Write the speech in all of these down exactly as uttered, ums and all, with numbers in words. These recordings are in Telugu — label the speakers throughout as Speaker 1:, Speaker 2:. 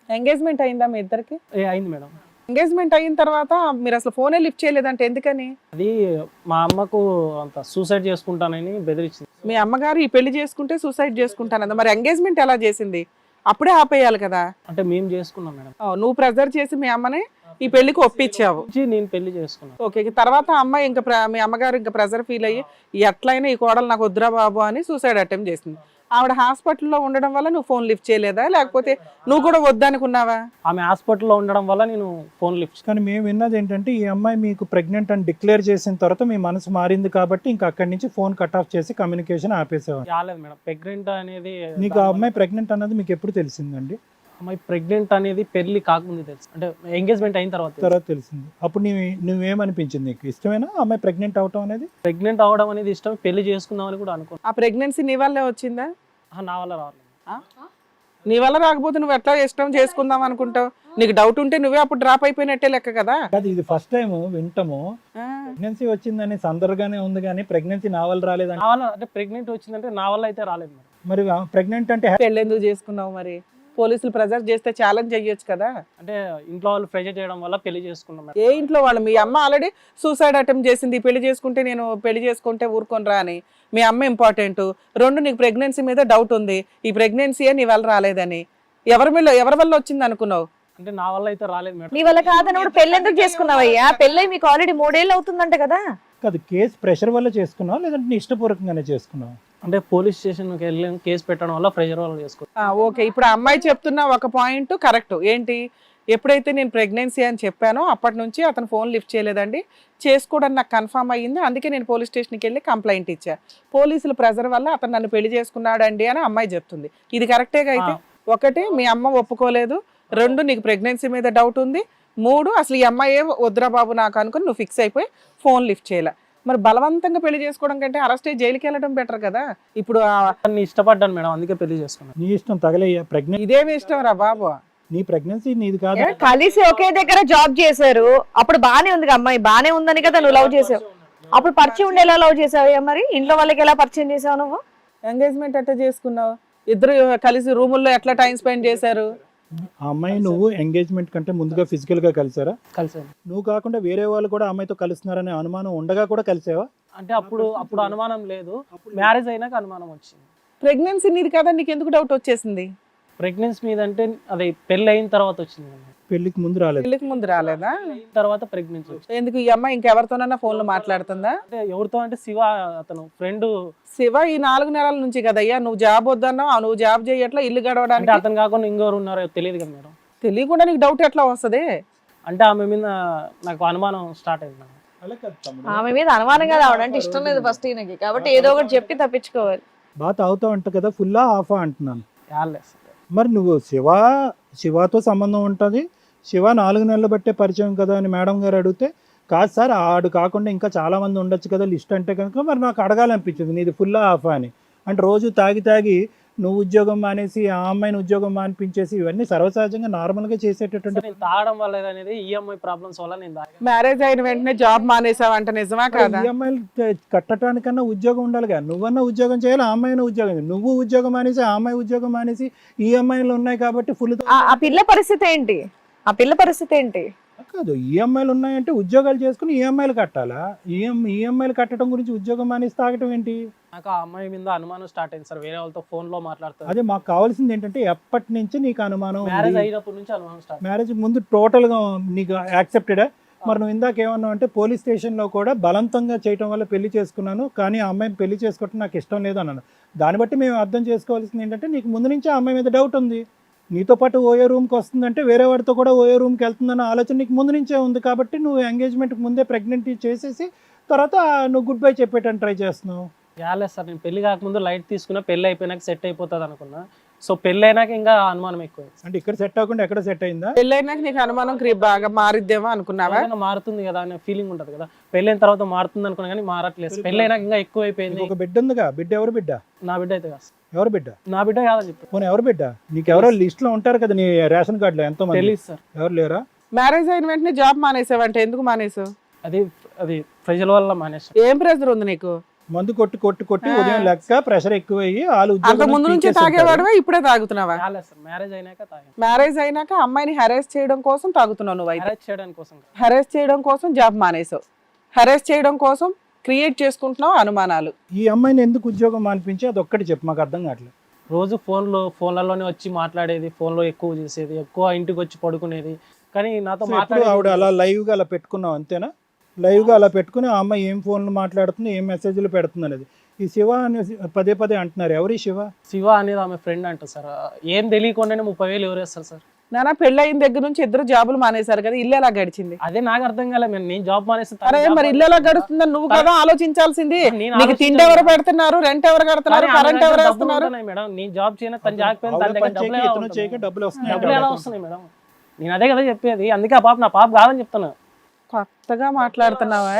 Speaker 1: ఎంగేజ్మెంట్ అయిందా మీ ఇద్దరికి?
Speaker 2: ఏ అయింది మేడం.
Speaker 1: ఎంగేజ్మెంట్ అయిన తర్వాత మీరు అసలు ఫోనే లిఫ్ట్ చేయలేదంటే ఎందుకని?
Speaker 2: అది మా అమ్మకు అంత సూసైడ్ చేసుకుంటానని బెదిరించింది.
Speaker 1: మీ అమ్మగారు ఈ పెళ్లి చేసుకుంటే సూసైడ్ చేసుకుంటానందా? మరి ఎంగేజ్మెంట్ ఎలా చేసింది? అప్పుడే ఆపేయాలి కదా.
Speaker 2: అంటే మేము చేసుకున్నాం మేడం.
Speaker 1: ఓ, నువ్వు ప్రెజర్ చేసి మీ అమ్మని ఈ పెళ్లికి ఒప్పించావు.
Speaker 2: వచ్చి నేను పెళ్లి చేసుకున్నాను.
Speaker 1: ఓకే, తర్వాత అమ్మ ఇంకా ప్ర- మీ అమ్మగారు ఇంకా ప్రెజర్ ఫీల్ అయ్యి ఎట్లయినా ఈ కోడలు నాకు వద్దురా బాబు అని సూసైడ్ అటెంప్ట్ చేసింది. ఆవిడ హాస్పిటల్లో ఉండడం వల్ల నువ్వు ఫోన్ లిఫ్ట్ చేయలేదా, లేకపోతే నువ్వు కూడా వద్దనుకున్నావా?
Speaker 2: ఆమె హాస్పిటల్లో ఉండడం వల్ల నేను ఫోన్ లిఫ్ట్.
Speaker 3: కానీ మేము విన్నది ఏంటంటే ఈ అమ్మాయి మీకు ప్రెగ్నెంట్ అని డిక్లేర్ చేసిన తర్వాత మీ మనసు మారింది కాబట్టి ఇంకా అక్కడి నుంచి ఫోన్ కట్ ఆఫ్ చేసి కమ్యూనికేషన్ ఆపేసేవారు.
Speaker 2: రాలేదు మేడం. ప్రెగ్నెంట్ అనేది
Speaker 3: నీకు ఆ అమ్మాయి ప్రెగ్నెంట్ అన్నది మీకు ఎప్పుడు తెలిసిందండి?
Speaker 2: అమ్మాయి ప్రెగ్నెంట్ అనేది పెళ్లి కాకముందు తెలుసు, అంటే ఎంగేజ్మెంట్ అయిన తర్వాత తెలుసు.
Speaker 3: తర్వాత తెలిసింది. అప్పుడు నీవు నువ్వేమనిపించింది? నీకు ఇష్టమేనా అమ్మాయి ప్రెగ్నెంట్ అవటం అనేది?
Speaker 2: ప్రెగ్నెంట్ అవడం అనేది ఇష్టం, పెళ్లి చేసుకుందామని కూడా అనుకున్నాను.
Speaker 1: ఆ ప్రెగ్నెన్సీ నీ వల్లే వచ్చిందా?
Speaker 2: నా వల్ల రావాలి.
Speaker 1: ఆ? నీ వల్ల రాకపోతే నువ్వు ఎట్లా ఇష్టం చేసుకుందాం అనుకుంటావు? నీకు డౌట్ ఉంటే నువ్వే అప్పుడు డ్రాప్ అయిపోయినట్టే లెక్క కదా.
Speaker 3: కాదు, ఇది ఫస్ట్ టైం వింటాము.
Speaker 1: ఆ.
Speaker 3: ప్రెగ్నెన్సీ వచ్చిందని సందర్గానే ఉంది కానీ ప్రెగ్నెన్సీ నా వల్ల రాలేదని.
Speaker 2: నా వల్ల అంటే ప్రెగ్నెంట్ వచ్చిందంటే నా వల్ల అయితే రాలేదు మేడం.
Speaker 3: మరి ప్రెగ్నెంట్ అంటే
Speaker 1: పెళ్ళి ఎందుకు చేసుకున్నావు మరి? పోలీసులు ప్రెజర్ చేస్తే ఛాలెంజ్ చెయ్యొచ్చు కదా.
Speaker 2: అంటే ఇంట్లో వాళ్ళు ప్రెజర్ చేయడం వల్ల పెళ్లి చేసుకున్నాం మేడం.
Speaker 1: ఏ ఇంట్లో వాళ్ళు? మీ అమ్మ ఆల్రెడీ సూసైడ్ అటెంప్ట్ చేసింది. పెళ్లి చేసుకుంటే నేను పెళ్లి చేసుకుంటే ఊరుకొని రా అని. మీ అమ్మ ఇంపార్టెంట్. రెండు, నీకు ప్రెగ్నెన్సీ మీద డౌట్ ఉంది. ఈ ప్రెగ్నెన్సీ నీ వల్ల రాలేదని. ఎవరి వల్ల ఎవరి వల్ల వచ్చింది అనుకున్నావు?
Speaker 2: అంటే నా వల్ల అయితే రాలేదు మేడం.
Speaker 4: నీ వల్ల కాదన్నప్పుడు పెళ్లి ఎందుకు చేసుకున్నావయ్యా? పెళ్ళై మీకు ఆల్రెడీ మూడేళ్ళు అవుతుందంట కదా.
Speaker 3: కాదు, కేసు ప్రెషర్ వల్ల చేసుకున్నావు లేదంటే నీ ఇష్టపూర్వకంగానే చేసుకున్నావు?
Speaker 2: అంటే పోలీస్ స్టేషన్కి వెళ్ళి కేసు పెట్టడం వల్ల ప్రెజర్ వల్ల చేసుకున్నాను.
Speaker 1: ఆ, ఓకే. ఇప్పుడు ఆ అమ్మాయి చెప్తున్న ఒక పాయింట్ కరెక్ట్. ఏంటి? ఎప్పుడైతే నేను ప్రెగ్నెన్సీ అని చెప్పానో అప్పటి నుంచి అతను ఫోన్ లిఫ్ట్ చేయలేదండి. చేసుకోవడం నాకు కన్ఫర్మ్ అయ్యింది. అందుకే నేను పోలీస్ స్టేషన్కి వెళ్ళి కంప్లైంట్ ఇచ్చా. పోలీసుల ప్రెజర్ వల్ల అతను నన్ను పెళ్లి చేసుకున్నాడండి అని అమ్మాయి చెప్తుంది. ఇది కరెక్టేగా? అయితే ఒకటి, మీ అమ్మ ఒప్పుకోలేదు. రెండు, నీకు ప్రెగ్నెన్సీ మీద డౌట్ ఉంది. మూడు, అసలు ఈ అమ్మాయి వద్దురా బాబు నాకు అనుకుని నువ్వు ఫిక్స్ అయిపోయి ఫోన్ లిఫ్ట్ చేయలే. మరి బలవంతంగా పెళ్లి చేసుకోవడం కంటే అరెస్ట్ అయ్యి జైలుకి వెళ్ళడం బెటర్ కదా. ఇప్పుడు ఆ-
Speaker 2: నేను ఇష్టపడ్డాను మేడం, అందుకే పెళ్లి చేసుకున్నాను.
Speaker 3: నీ ఇష్టం తగలయ్యా. ప్రెగ్నెంట్
Speaker 1: ఇదేమి ఇష్టం రా బాబు?
Speaker 3: నీ ప్రెగ్నెన్సీ నీది కాదు.
Speaker 4: ఏ, కలిసి ఒకే దగ్గర జాబ్ చేశారు. అప్పుడు బానే ఉంది కదా అమ్మాయి, బానే ఉందని కదా నువ్వు లవ్ చేసావు. అప్పుడు పరిచయం ఉండి ఎలా లవ్ చేసావయ్యా? మరి ఇంట్లో వాళ్ళకి ఎలా పరిచయం చేసావు నువ్వు?
Speaker 1: ఎంగేజ్మెంట్ ఎట్లా చేసుకున్నావు? ఇద్దరు కలిసి రూముల్లో ఎట్లా టైం స్పెండ్ చేశారు?
Speaker 3: ఆ అమ్మాయి నువ్వు ఎంగేజ్మెంట్ కంటే ముందుగా ఫిజికల్ గా కలిసారా?
Speaker 2: కలిసాను.
Speaker 3: నువ్వు కాకుండా వేరే వాళ్ళు కూడా ఆ అమ్మాయితో కలుస్తున్నారనే అనుమానం ఉండగా కూడా కలిసావా?
Speaker 2: అంటే అప్పుడు అప్పుడు అనుమానం లేదు, మ్యారేజ్ అయినాక అనుమానం వచ్చింది.
Speaker 1: ప్రెగ్నెన్సీ నీది కదా, నీకు ఎందుకు డౌట్ వచ్చేసింది?
Speaker 2: ప్రెగ్నెన్సీ మీద అంటే అది పెళ్లి అయిన తర్వాత వచ్చింది మేడం.
Speaker 3: పెళ్లికి ముందు రాలేదు.
Speaker 1: పెళ్లికి ముందు రాలేదా?
Speaker 2: అయిన తర్వాత ప్రెగ్నెన్సీ వచ్చింది.
Speaker 1: ఎందుకు ఈ అమ్మాయి ఇంకెవరితోనన్నా ఫోన్ లో మాట్లాడుతుందా?
Speaker 2: అంటే ఎవరితో అంటే శివ అతను ఫ్రెండ్.
Speaker 1: శివ ఈ నాలుగు నెలల నుంచి కదయ్యా నువ్వు జాబ్ వద్దన్నావు. నువ్వు జాబ్ చేయట్లా, ఇల్లు
Speaker 2: అంటే
Speaker 1: గడవడానికి
Speaker 2: అతను కాకుండా ఇంకెవరు ఉన్నారో తెలియదు కదా మేడం.
Speaker 1: తెలియకుండా నీకు డౌట్ ఎట్లా వస్తుంది?
Speaker 2: అంటే ఆమె మీద నాకు అనుమానం స్టార్ట్ అయింది మేడం.
Speaker 3: అలా కాదు తమ్ముడు.
Speaker 4: ఆమె మీద అనుమానంగా రావడం ఇష్టం లేదు ఫస్ట్ ఈయనకి, కాబట్టి ఏదో ఒకటి చెప్పి తప్పించుకోవాలి.
Speaker 3: బాగా తాగుతావు అంట కదా, ఫుల్లా ఆఫా అంటున్నాను.
Speaker 2: యాలెస్.
Speaker 3: మరి నువ్వు శివ శివతో సంబంధం ఉంటుంది, శివ నాలుగు నెలలు బట్టే పరిచయం కదా అని మేడం గారు అడిగితే, కాదు సార్ ఆడు కాకుండా ఇంకా చాలా మంది ఉండొచ్చు కదా లిస్ట్ అంటే కనుక మరి నాకు అడగాలనిపించింది నీది ఫుల్లా ఆఫా అని. అంటే రోజు తాగి తాగి నువ్వు ఉద్యోగం మానేసి ఆ అమ్మాయిని ఉద్యోగం మానిపించేసి ఇవన్నీ సర్వసహజంగా నార్మల్గా చేసేటటువంటి.
Speaker 2: నేను తాగడం వల్ల అనేది ఈఎంఐ ప్రాబ్లమ్స్ వల్ల నేను తాగాను.
Speaker 1: మ్యారేజ్ అయిన వెంటనే జాబ్ మానేసావంట, నిజమా కాదా?
Speaker 3: ఈఎంఐలు కట్టడానికన్నా ఉద్యోగం ఉండాలిగా. నువ్వన్నా ఉద్యోగం చేయాలి, ఆ అమ్మాయినా ఉద్యోగం చేయాలి. నువ్వు ఉద్యోగం మానేసి ఆ అమ్మాయి ఉద్యోగం మానేసి ఈఎంఐలు ఉన్నాయి కాబట్టి ఫుల్.
Speaker 4: ఆ- ఆ పిల్ల పరిస్థితి ఏంటి? ఆ పిల్ల పరిస్థితి ఏంటి?
Speaker 3: కాదు, ఈఎంఐలు ఉన్నాయంటే ఉద్యోగాలు చేసుకుని ఈఎంఐలు కట్టాలా? ఈఎం ఈఎంఐలు కట్టడం గురించి ఉద్యోగం మానేసి తాగటం ఏంటి?
Speaker 2: నాకు ఆ అమ్మాయి మీద అనుమానం స్టార్ట్ అయింది సార్, వేరే వాళ్ళతో ఫోన్ లో మాట్లాడుతాను.
Speaker 3: అదే మాకు కావాల్సింది ఏంటంటే ఎప్పటి నుంచి నీకు అనుమానం?
Speaker 2: మ్యారేజ్ అయినప్పటి నుంచి అనుమానం స్టార్ట్.
Speaker 3: మ్యారేజ్ ముందు టోటల్ గా నీకు యాక్సెప్టెడా? మరి నువ్వు ఇందాక ఏమన్నావు అంటే పోలీస్ స్టేషన్లో కూడా బలవంతంగా చేయటం వల్ల పెళ్లి చేసుకున్నాను, కానీ ఆ అమ్మాయిని పెళ్లి చేసుకోవటం నాకు ఇష్టం లేదు అన్నాను. దాన్ని బట్టి మేము అర్థం చేసుకోవాల్సింది ఏంటంటే నీకు ముందు నుంచి ఆ అమ్మాయి మీద డౌట్ ఉంది. నీతో పాటు ఓయో రూమ్కి వస్తుందంటే వేరే వాడితో కూడా ఓయో రూమ్కి వెళ్తుందన్న ఆలోచన నీకు ముందు నుంచే ఉంది కాబట్టి నువ్వు ఎంగేజ్మెంట్కి ముందే ప్రెగ్నెంట్ చేసేసి తర్వాత నువ్వు గుడ్ బై చెప్పేటని ట్రై చేస్తున్నావు.
Speaker 2: యాలెస్ సార్, నేను పెళ్లి కాకముందు లైట్ తీసుకున్నా, పెళ్లి అయిపోయినాక సెట్ అయిపోతుంది అనుకున్నా. సో పెళ్లి అయినాక ఇంకా అనుమానం ఎక్కువ.
Speaker 3: అంటే ఇక్కడ సెట్ అవ్వకుండా ఎక్కడ సెట్ అయిందా?
Speaker 1: పెళ్ళైనాక నీకు అనుమానం క్రీ- బాగా మారిద్దేమో అనుకున్నావా?
Speaker 2: ఏదైనా మారుతుంది కదా అనే ఫీలింగ్ ఉంటుంది కదా. పెళ్ళైన తర్వాత మారుతుంది అనుకున్నా కానీ మారట్లేదు. పెళ్లి అయినాక ఇంకా ఎక్కువ అయిపోయింది.
Speaker 3: నీకు ఒక బిడ్డ ఉందిగా, బిడ్డ ఎవరు బిడ్డ?
Speaker 2: నా బిడ్డ అయితే కాదు.
Speaker 3: ఎవరు బిడ్డ?
Speaker 2: నా బిడ్డ కాదని చెప్పి
Speaker 3: పోనీ ఎవరు బిడ్డ? నీకు ఎవరో లిస్ట్ లో ఉంటారు కదా నీ రేషన్ కార్డులో ఎంతో మంది.
Speaker 2: తెలియదు సార్.
Speaker 3: ఎవరు లేరా?
Speaker 1: మ్యారేజ్ అయిన వెంటనే జాబ్ మానేసావంటే ఎందుకు మానేసావు?
Speaker 2: అది అది ప్రజల వల్ల మానేసాను.
Speaker 1: ఏం ప్రెజర్ ఉంది నీకు?
Speaker 3: మందు కొట్టి కొట్టి కొట్టి
Speaker 1: ఆ.
Speaker 3: ఉదయం లెక్క ప్రెషర్ ఎక్కువయ్యి వాళ్ళు
Speaker 1: అంత ముందు నుంచి తాగేవాడువా ఇప్పుడే తాగుతున్నావా?
Speaker 2: కాలేదు సార్, మ్యారేజ్ అయినాక తాగాను.
Speaker 1: మ్యారేజ్ అయినాక అమ్మాయిని హెరాస్ చేయడం కోసం తాగుతున్నావు నువ్వు అయితే.
Speaker 2: మ్యారేజ్ చేయడానికి కోసం కాదు.
Speaker 1: హెరాస్ చేయడం కోసం జాబ్ మానేసావు, హెరాస్ చేయడం కోసం క్రియేట్ చేసుకుంటున్నావు అనుమానాలు.
Speaker 3: ఈ అమ్మాయిని ఎందుకు ఉద్యోగం మానిపించి అది ఒక్కటి చెప్పు, మాకు అర్థం కావట్లేదు.
Speaker 2: రోజు ఫోన్లో ఫోన్లలోనే వచ్చి మాట్లాడేది, ఫోన్లో ఎక్కువ చేసేది, ఎక్కువ ఇంటికి వచ్చి పడుకునేది. కానీ నాతో
Speaker 3: సో ఎప్పుడు
Speaker 2: మాట్లాడేది
Speaker 3: ఆవిడ అలా లైవ్ గా అలా పెట్టుకున్నావు అంతేనా? లైవ్ గా అలా పెట్టుకుని ఆ అమ్మాయి ఏం ఫోన్లు మాట్లాడుతుంది, ఏం మెసేజ్లు పెడుతుంది అనేది. ఈ శివ అని పదే పదే అంటున్నారు, ఎవరి శివ?
Speaker 2: శివ అనేది ఆమె ఫ్రెండ్ అంట సార్. ఏం తెలియకుండానే ముప్పై వేలు ఎవరు వేస్తారు సార్?
Speaker 1: నానా పెళ్ళయిన దగ్గర నుంచి ఇద్దరు జాబులు మానేశారు కదా, ఇల్లు ఎలా గడిచింది?
Speaker 2: అదే నాకు అర్థం కాలే. నేను నేను జాబ్ మానేసి
Speaker 1: అరే మరి ఇల్లు ఎలా గడుస్తుందని నువ్వు కదా ఆలోచించాల్సింది.
Speaker 2: నేను
Speaker 1: నీకు తిండి ఎవరు పెడుతున్నారు, రెంట్ ఎవరు కడుతున్నారు, కరెంట్ ఎవరు వేస్తున్నారు?
Speaker 2: మేడం నేను జాబ్ చేయను, తను జాకపోయినా తన
Speaker 3: ఆవిడ
Speaker 2: దగ్గర
Speaker 3: పని
Speaker 2: డబ్బులు
Speaker 3: చేయక
Speaker 2: ఎలా
Speaker 3: ఇతను చేయక
Speaker 2: ఉంటున్నాయి?
Speaker 3: డబ్బులు వస్తున్నాయి.
Speaker 2: డబ్బులు ఎలా వస్తున్నాయి మేడం? నేను అదే కదా చెప్పేది. అందుకే ఆ పాప నా పాప కాదని చెప్తున్నా.
Speaker 1: కొత్తగా మాట్లాడుతున్నావా?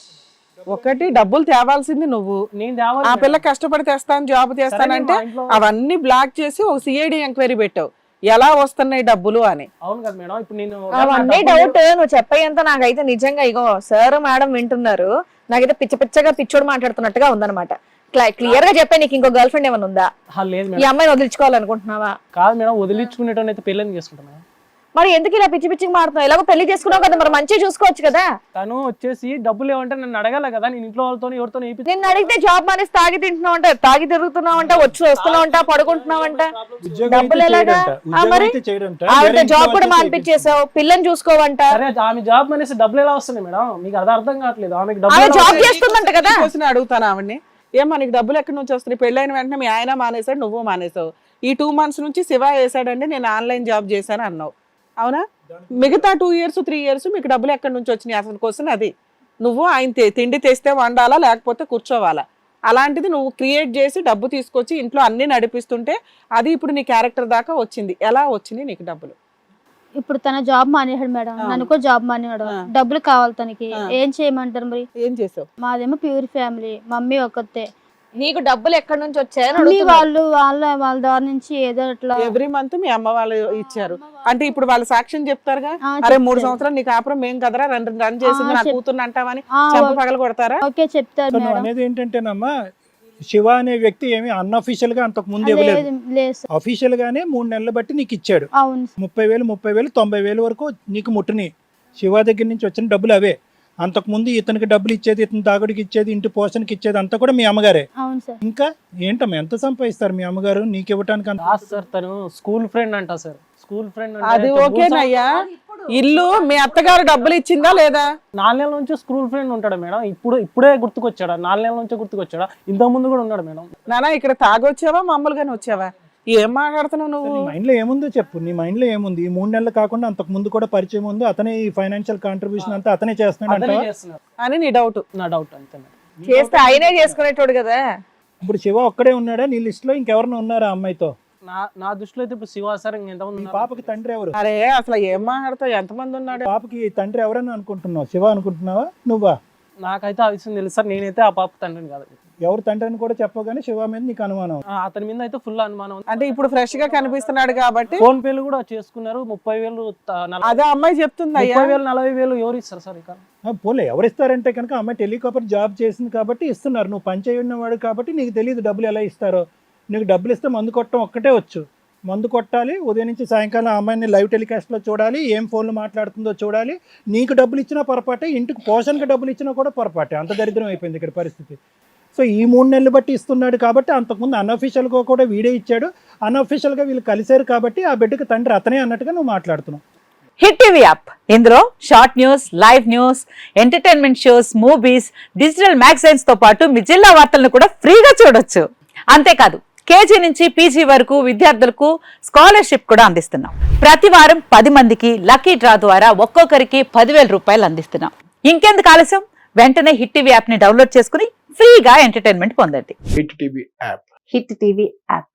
Speaker 1: ఒకటి డబ్బులు తేవాల్సింది నువ్వు,
Speaker 2: నేను తేవాలి
Speaker 1: ఆ
Speaker 2: మేడం.
Speaker 1: పిల్ల కష్టపడి తెస్తాను జాబ్ చేస్తానంటే
Speaker 2: సరే, మా ఇంట్లో-
Speaker 1: అవన్నీ బ్లాక్ చేసి ఒక సిఐడి ఎంక్వైరీ పెట్టావు ఎలా వస్తున్నాయి డబ్బులు అని.
Speaker 2: అవును కదా మేడం. ఇప్పుడు నేను
Speaker 4: అవన్నీ డౌట్ నువ్వు చెప్పేంత నాకైతే నిజంగా ఇగో సార్ మేడం వింటున్నారు, నాకైతే పిచ్చ పిచ్చగా పిచ్చోడు మాట్లాడుతున్నట్టుగా ఉందన్నమాట. క్లియర్ గా చెప్పే, నీకు ఇంకో గర్ల్ ఫ్రెండ్ ఏమైనా ఉందా?
Speaker 2: ఆ, లేదు
Speaker 4: ఈ
Speaker 2: మేడం.
Speaker 4: అమ్మాయిని వదిలించుకోవాలనుకుంటున్నావా?
Speaker 2: కాదు మేడం, వదిలించుకునేటోని అయితే పెళ్ళని చేసుకుంటున్నా.
Speaker 4: మరి ఎందుకు ఇలా పిచ్చి పిచ్చికి మారుతున్నావు? ఎలాగో పెళ్లి చేసుకున్నావు కదా, మరి మంచిగా చూసుకోవచ్చు కదా.
Speaker 2: తను వచ్చేసి డబ్బులు ఏమంటే నన్ను అడగాల కదా, నేను ఇంట్లో వాళ్ళతో ఎవరితో
Speaker 4: నిన్ను అడిగితే జాబ్ మానేసి తాగి తింటున్నావు అంట, తాగి తిరుగుతున్నావు అంట, వచ్చి వస్తున్నావు అంట, పడుకుంటున్నావు అంట.
Speaker 3: ఉద్యోగం
Speaker 4: డబ్బులు
Speaker 3: అయితే
Speaker 4: ఎలాగా?
Speaker 3: చేయడంట,
Speaker 4: ఆ,
Speaker 3: ఉద్యోగం
Speaker 4: మరి
Speaker 3: అయితే చేయడంట,
Speaker 4: ఆవిడ
Speaker 3: వేరే ఇంట్లో
Speaker 4: జాబ్ కూడా
Speaker 3: వాళ్ళతో
Speaker 4: మానిపించేసావు, పిల్లని చూసుకోవంట.
Speaker 2: సరే ఆమె జాబ్ మానేసి డబ్బులు ఎలా వస్తున్నాయి మేడం? మీకు అది అర్థం కావట్లేదు. ఆమెకి
Speaker 4: ఆమె
Speaker 2: డబ్బులు ఎలా
Speaker 4: జాబ్
Speaker 2: వస్తున్నాయి?
Speaker 4: చేస్తుందంట కదా.
Speaker 1: క్వశ్చన్ అడుగుతాను ఆవిడ్ని, ఏమో నీకు డబ్బులు ఎక్కడి నుంచి వస్తున్నాయి? పెళ్ళైన వెంటనే మీ ఆయన మానేశాడు, నువ్వు మానేసావు. ఈ టూ మంత్స్ నుంచి శివ వేసాడండి, నేను ఆన్లైన్ జాబ్ చేశాను అన్నావు, అవునా? మిగతా టూ ఇయర్స్ త్రీ ఇయర్స్ మీకు డబ్బులు ఎక్కడి నుంచి వచ్చినాయి? అసలు క్వశ్చన్ అది. నువ్వు ఆయన తే- తిండి తెస్తే వండాలా లేకపోతే కూర్చోవాలా? అలాంటిది నువ్వు క్రియేట్ చేసి డబ్బు తీసుకొచ్చి ఇంట్లో అన్ని నడిపిస్తుంటే అది ఇప్పుడు నీ క్యారెక్టర్ దాకా వచ్చింది. ఎలా వచ్చినాయి నీకు డబ్బులు?
Speaker 5: ఇప్పుడు తన జాబ్ మానేశాడు మేడం,
Speaker 1: ఆ.
Speaker 5: నన్ను కూడా జాబ్ మానేవాడు.
Speaker 1: ఆ.
Speaker 5: డబ్బులు కావాలి తనకి,
Speaker 1: ఆ.
Speaker 5: ఏం చేయమంటారు మరి?
Speaker 1: ఏం చేసావు?
Speaker 5: మాదేమో ప్యూర్ ఫ్యామిలీ, మమ్మీ ఒక్కతే.
Speaker 4: నీకు డబ్బులు ఎక్కడి నుంచి వచ్చాయని
Speaker 5: మమ్మీ
Speaker 4: అడుగుతున్నా.
Speaker 5: వాళ్ళు వాళ్ళ వాళ్ళ ద్వారా నుంచి ఏదో అట్లా
Speaker 1: ఎవ్రీ మంత్ మీ అమ్మ వాళ్ళు ఇచ్చారు అంటే ఇప్పుడు వాళ్ళు సాక్ష్యం చెప్తారుగా,
Speaker 5: ఆ,
Speaker 1: అరే మూడు
Speaker 5: చెప్తారు.
Speaker 1: సంవత్సరాలు నీకు కాపురం మేం కదరా రన్ రన్ చేసింది
Speaker 5: ఆ,
Speaker 1: నా
Speaker 5: చెప్-
Speaker 1: కూతుర్ని అంటావని
Speaker 5: ఆ,
Speaker 1: చెంప
Speaker 5: ఓ-
Speaker 1: పగల కొడతారా?
Speaker 5: ఓకే చెప్తారు
Speaker 3: సో నువ్వు
Speaker 5: మేడం.
Speaker 3: అనేది ఏంటంటేనమ్మా, శివ అనే వ్యక్తి ఏమి అన్అఫీషియల్ గా అంతకు ముందు ఇవ్వలేదు,
Speaker 5: లేదు లేదు సార్.
Speaker 3: అఫీషియల్ గానే మూడు నెలలు బట్టి నీకు ఇచ్చాడు.
Speaker 5: అవును సార్.
Speaker 3: ముప్పై వేలు ముప్పై వేలు తొంభై వేలు వరకు నీకు ముట్టిని. శివ దగ్గర నుంచి వచ్చిన డబ్బులు అవే. అంతకు ముందు ఇతనికి డబ్బులు ఇచ్చేది, ఇతని తాగుడికి ఇచ్చేది, ఇంటి పోషణకి ఇచ్చేది అంతా కూడా మీ అమ్మగారే.
Speaker 5: అవును సార్.
Speaker 3: ఇంకా ఏంటమ్మా ఎంత సంపాదిస్తారు మీ అమ్మగారు నీకు ఇవ్వటానికి? అంత
Speaker 2: కాదు సార్, తను స్కూల్ ఫ్రెండ్ అంట సార్. స్కూల్ ఫ్రెండ్
Speaker 1: అది ఓకేనయ్యా, ఇల్లు మీ అత్తగారు డబ్బులు ఇచ్చిందా లేదా?
Speaker 2: నాలుగు నెలల నుంచి స్కూల్ ఫ్రెండ్ ఉంటాడు మేడం. ఇప్పుడు ఇప్పుడే గుర్తుకొచ్చాడా? నాలుగు నెలల నుంచి గుర్తుకొచ్చాడా? ఇంతకు ముందు కూడా ఉన్నాడు మేడం.
Speaker 1: నానా ఇక్కడ తాగొచ్చావా మామూలుగానే వచ్చావా? ఏం మాట్లాడుతున్నావు నువ్వు?
Speaker 3: నీ మైండ్ లో ఏముందో చెప్పు. నీ మైండ్ లో ఏముంది? ఈ మూడు నెలలు కాకుండా అంతకు ముందు కూడా పరిచయం ఉంది, అతనే ఈ ఫైనాన్షియల్ కాంట్రిబ్యూషన్ అంతా అతనే చేస్తున్నాడు
Speaker 2: అతనే
Speaker 3: అంటావా?
Speaker 2: చేస్తున్నారు
Speaker 1: అని నీ డౌట్.
Speaker 2: నా డౌట్ అంతే మేడం.
Speaker 4: చేస్తే ఆయనే చేసుకునేటోడు కదా.
Speaker 3: ఇప్పుడు శివ ఒక్కడే ఉన్నాడా నీ లిస్ట్ లో? ఇంకెవరైనా ఉన్నారా ఆ అమ్మాయితో?
Speaker 2: నా నా దృష్టిలో అయితే ఇప్పుడు శివ సార్ ఇంకెంతమంది
Speaker 3: ఈ
Speaker 2: ఉన్నారు?
Speaker 3: పాపకి తండ్రి ఎవరు?
Speaker 1: అరే అసలు ఏం మాట్లాడతావు? ఎంతమంది ఉన్నాడు?
Speaker 3: పాపకి తండ్రి ఎవరని అనుకుంటున్నావు? శివ అనుకుంటున్నావా నువ్వా?
Speaker 2: నాకైతే ఆ విషయం తెలుసు సార్. నేనైతే ఆ పాప తండ్రిని కాదు.
Speaker 3: ఎవరు తండ్రి అని కూడా చెప్పగానే శివ మీద నీకు అనుమానం.
Speaker 2: ఆ, అతని మీద అయితే ఫుల్ అనుమానం ఉంది.
Speaker 1: అంటే ఇప్పుడు ఫ్రెష్ గా కనిపిస్తున్నాడు కాబట్టి
Speaker 2: ఫోన్ పేలు కూడా చేసుకున్నారు. ముప్పై వేలు త- నలభై-
Speaker 1: అదే అమ్మాయి చెప్తుంది అయ్యా.
Speaker 2: ముప్పై వేలు నలభై వేలు ఎవరు ఇస్తారు సార్? ఇక
Speaker 3: ఆ, పోలే ఎవరు ఇస్తారంటే కనుక అమ్మాయి టెలికాపర్ జాబ్ చేసింది కాబట్టి ఇస్తున్నారు. నువ్వు పని చేయన్న వాడు కాబట్టి నీకు తెలియదు డబ్బులు ఎలా ఇస్తారో. నీకు డబ్బులు ఇస్తే మందు కొట్టడం ఒక్కటే వచ్చు. మందు కొట్టాలి, ఉదయం నుంచి సాయంకాలం ఆ అమ్మాయిని లైవ్ టెలికాస్ట్లో చూడాలి, ఏం ఫోన్లు మాట్లాడుతుందో చూడాలి. నీకు డబ్బులు ఇచ్చినా పొరపాటే, ఇంటికి పోషణకి డబ్బులు ఇచ్చినా కూడా పొరపాటే. అంత దరిద్రం అయిపోయింది ఇక్కడ పరిస్థితి. సో ఈ మూడు నెలలు బట్టి ఇస్తున్నాడు కాబట్టి, అంతకుముందు అన్అఫీషియల్గా కూడా వీడే ఇచ్చాడు, అన్అఫీషియల్గా వీళ్ళు కలిశారు కాబట్టి ఆ బిడ్డకి తండ్రి అతనే అన్నట్టుగా నువ్వు మాట్లాడుతున్నావు.
Speaker 6: హిట్ టీవీ యాప్ ఇందులో short news, live news, entertainment shows, movies, digital magazines తో పాటు మీ జిల్లా వార్తలను కూడా ఫ్రీగా చూడొచ్చు. అంతేకాదు కేజీ నుంచి పీజీ వరకు విద్యార్థులకు స్కాలర్షిప్ కూడా అందిస్తున్నాం. ప్రతి వారం పది మందికి లక్కీ డ్రా ద్వారా ఒక్కొక్కరికి పదివేల రూపాయలు అందిస్తున్నాం. ఇంకెందుకు ఆలస్యం? వెంటనే హిట్ టీవీ యాప్ ని డౌన్లోడ్ చేసుకుని ఫ్రీగా ఎంటర్టైన్మెంట్ పొందండి.
Speaker 7: Hit TV app
Speaker 6: hit TV app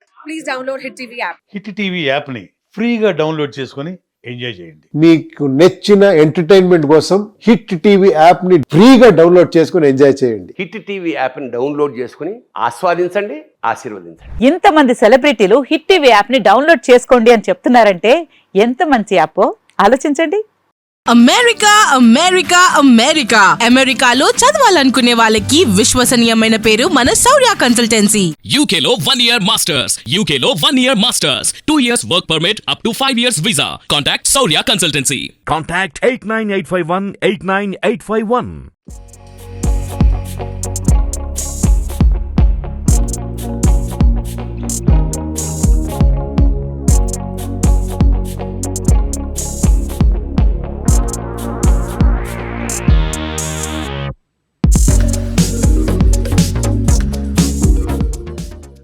Speaker 8: hit TV యాప్ని ఫ్రీగా డౌన్లోడ్ చేసుకొని ఎంజాయ్ చేయండి.
Speaker 7: మీకు నచ్చిన ఎంటర్టైన్మెంట్ కోసం హిట్ టీవీ యాప్ ని ఫ్రీగా డౌన్లోడ్ చేసుకుని ఎంజాయ్ చేయండి.
Speaker 9: హిట్ టీవీ యాప్ని డౌన్లోడ్ చేసుకుని ఆస్వాదించండి, ఆశీర్వదించండి.
Speaker 6: ఇంతమంది సెలబ్రిటీలు హిట్ టీవీ యాప్ ని డౌన్లోడ్ చేసుకోండి అని చెప్తున్నారంటే ఎంత మంచి యాప్ ఆలోచించండి.
Speaker 10: అమెరికా అమెరికా అమెరికా అమెరికాలో చదవాలనుకునే వాళ్ళకి విశ్వసనీయమైన పేరు మన శౌర్య కన్సల్టెన్సీ.
Speaker 11: యూకేలో వన్ ఇయర్ మాస్టర్స్ యూకేలో one year masters two years work permit up to five years visa. Contact Shaurya consultancy.
Speaker 12: Contact eight nine eight five one eight nine eight five one.